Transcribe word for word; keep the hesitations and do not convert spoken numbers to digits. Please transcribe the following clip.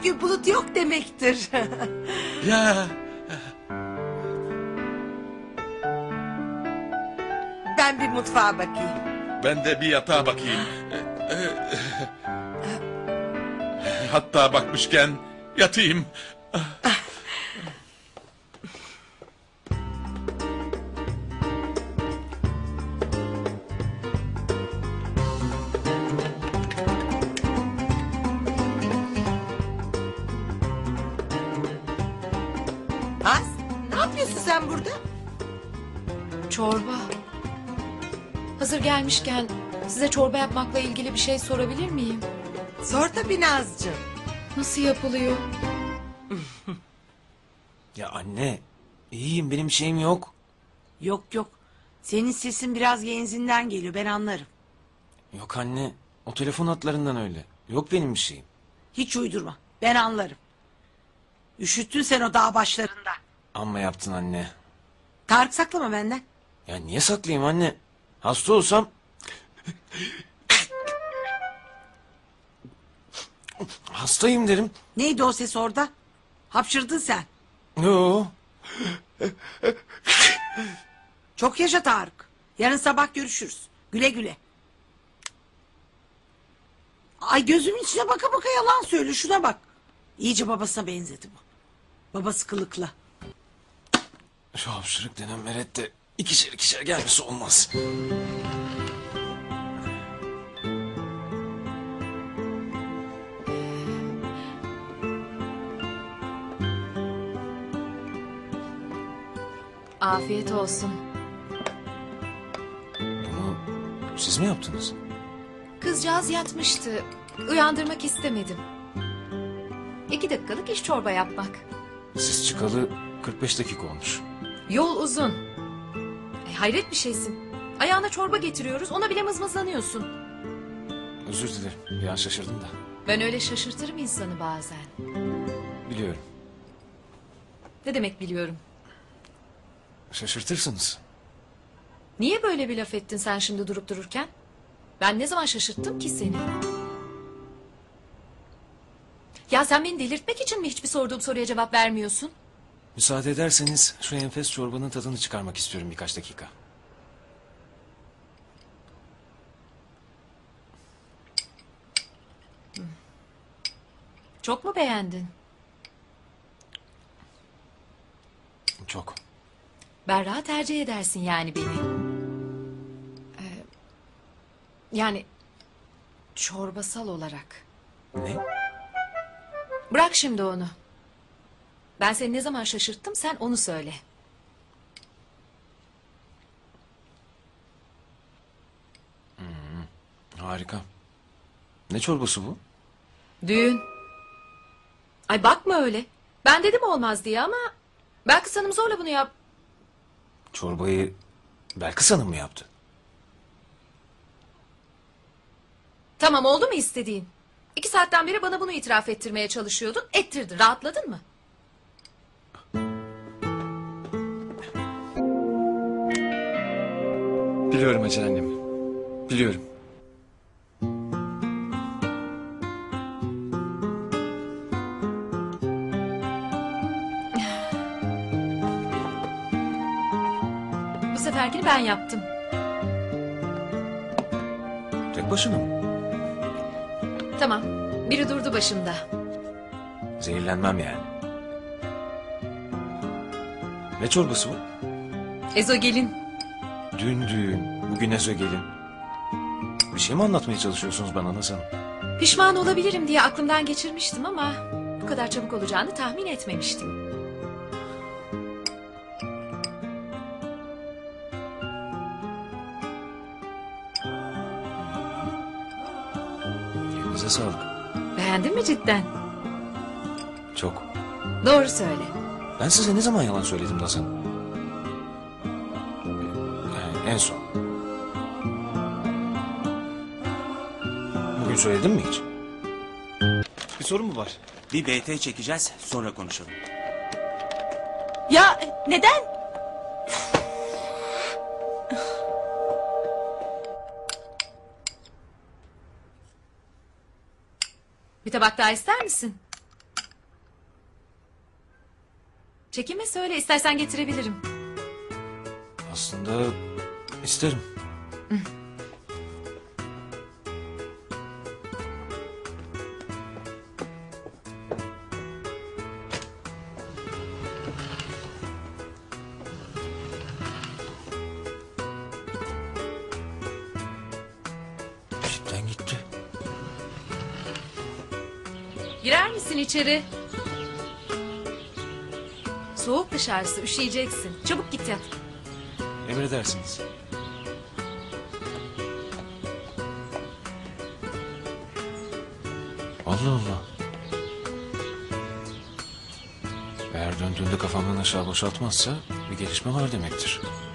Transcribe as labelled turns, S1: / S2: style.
S1: gibi bulut yok demektir.
S2: Ya
S1: Ben bir mutfağa bakayım.
S2: ben de bir yatağa bakayım. Hatta bakmışken yatayım.
S1: Az, ne yapıyorsun sen burada?
S3: Çorba. Hazır gelmişken size çorba yapmakla ilgili bir şey sorabilir miyim?
S1: Sor tabii Nazcığım.
S3: Nasıl yapılıyor?
S4: Ya anne, iyiyim, benim şeyim yok.
S1: Yok yok. Senin sesin biraz genzinden geliyor, ben anlarım.
S4: Yok anne, o telefon hatlarından öyle. Yok benim bir şeyim.
S1: Hiç uydurma, ben anlarım. Üşüttün sen o dağ başlarında.
S4: Amma yaptın anne.
S1: Tarık saklama benden.
S4: Ya niye saklayayım anne? Hasta olsam... Hastayım derim.
S1: Neydi o ses orada? Hapşırdın sen.
S4: Yo.
S1: Çok yaşa Tarık. Yarın sabah görüşürüz. Güle güle. Ay gözümün içine baka baka yalan söyle, şuna bak. İyice babasına benzedi bu. Babası kılıklı.
S4: Şu hapşırık denen meret de ikişer ikişer gelmesi olmaz.
S3: Afiyet olsun.
S4: Bunu siz mi yaptınız?
S3: Kızcağız yatmıştı. Uyandırmak istemedim. İki dakikalık iş çorba yapmak.
S4: Siz çıkalı kırk beş dakika olmuş.
S3: Yol uzun. E, hayret bir şeysin. Ayağına çorba getiriyoruz, ona bile mızmızlanıyorsun.
S4: Özür dilerim, bir an şaşırdım da.
S3: Ben öyle şaşırtırım insanı bazen.
S4: Biliyorum.
S3: Ne demek biliyorum.
S4: Şaşırtırsınız.
S3: Niye böyle bir laf ettin sen şimdi durup dururken? Ben ne zaman şaşırttım ki seni? Ya sen beni delirtmek için mi hiçbir sorduğum soruya cevap vermiyorsun?
S4: Müsaade ederseniz şu enfes çorbanın tadını çıkarmak istiyorum birkaç dakika.
S3: Çok mu beğendin?
S4: Çok.
S3: Berra tercih edersin yani beni. Ee, yani çorbasal olarak.
S4: Ne?
S3: Bırak şimdi onu. Ben seni ne zaman şaşırttım sen onu söyle.
S4: Harika. Ne çorbası bu?
S3: Düğün. Ay bakma öyle. Ben dedim olmaz diye ama... Belkıs Hanım zorla bunu yap...
S4: Çorbayı Belkıs Hanım mı yaptı?
S3: Tamam oldu mu istediğin? İki saatten beri bana bunu itiraf ettirmeye çalışıyordun. Ettirdin. Rahatladın mı?
S5: Biliyorum Hacer annem. Biliyorum.
S3: Bu seferkini ben yaptım.
S4: Tek başına mı?
S3: Tamam. Biri durdu başımda.
S4: Zehirlenmem yani. Ne çorbası bu?
S3: Ezogelin.
S4: Dün düğün, bugün ezogelin. Bir şey mi anlatmaya çalışıyorsunuz bana Naz Hanım?
S3: Pişman olabilirim diye aklımdan geçirmiştim ama... Bu kadar çabuk olacağını tahmin etmemiştim.
S4: Elinize sağlık.
S3: Beğendin mi cidden?
S4: Çok.
S3: Doğru söyle.
S4: Ben size ne zaman yalan söyledim Naz Hanım? Yani en son. Bugün söyledim mi hiç?
S5: Bir sorun mu var?
S6: Bir B T çekeceğiz, sonra konuşalım.
S1: Ya neden?
S3: Bir tabak daha ister misin? Çekinme söyle, istersen getirebilirim.
S4: Aslında isterim. Cidden gitti.
S3: Girer misin içeri? Soğuk dışarısı, üşüyeceksin. Çabuk git yat.
S4: Emredersiniz. Allah Allah. Eğer döndüğünde kafamdan aşağı boşaltmazsa bir gelişme var demektir.